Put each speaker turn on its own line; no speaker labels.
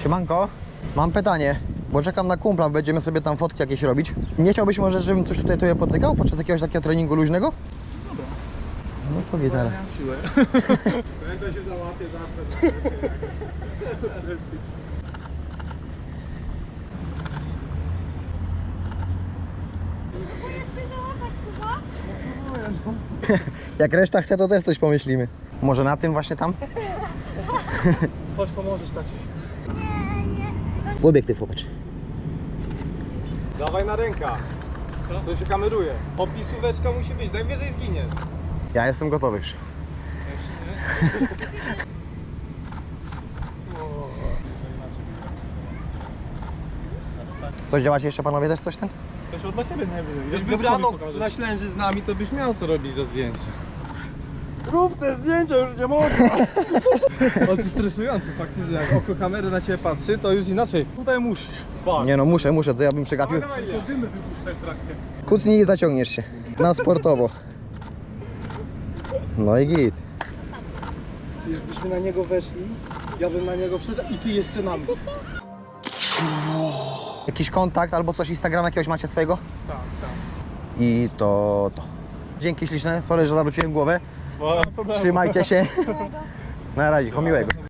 Siemanko, mam pytanie, bo czekam na kumpla, będziemy sobie tam fotki jakieś robić. Nie chciałbyś może, żebym coś tutaj tobie pocykał podczas jakiegoś takiego treningu luźnego?
Dobra.
No to gitara.
Ja mam siłę. Pamiętaj się załapie zawsze.
Jak reszta chce, to też coś pomyślimy. Może na tym właśnie tam?
Chodź, pomożesz taci.
W obiektyw popatrz.
Dawaj na ręka. To się kameruje. Opisóweczka musi być, najwyżej zginiesz.
Ja jestem gotowy już. Coś działacie jeszcze panowie też coś ten?
Też od siebie najwyżej.
Gdyby brano na Ślęży z nami, to byś miał co robić za zdjęcie.
Rób te zdjęcia, już nie można.
O, to stresujące faktycznie, jak oko kamery na ciebie patrzy, to już inaczej.
Tutaj musisz. Patrz.
Nie no muszę, co ja bym przegapił.
Dawaj, dymy wypuszczaj w trakcie.
Kucnij i zaciągniesz się. Na sportowo. No i git.
Ty, jakbyśmy na niego weszli, ja bym na niego wszedł i ty jeszcze na mnie.
Jakiś kontakt albo coś, Instagram jakiegoś macie swojego?
Tak.
I to. Dzięki śliczne, sorry, że zawróciłem głowę. Trzymajcie się. Na razie, miłego.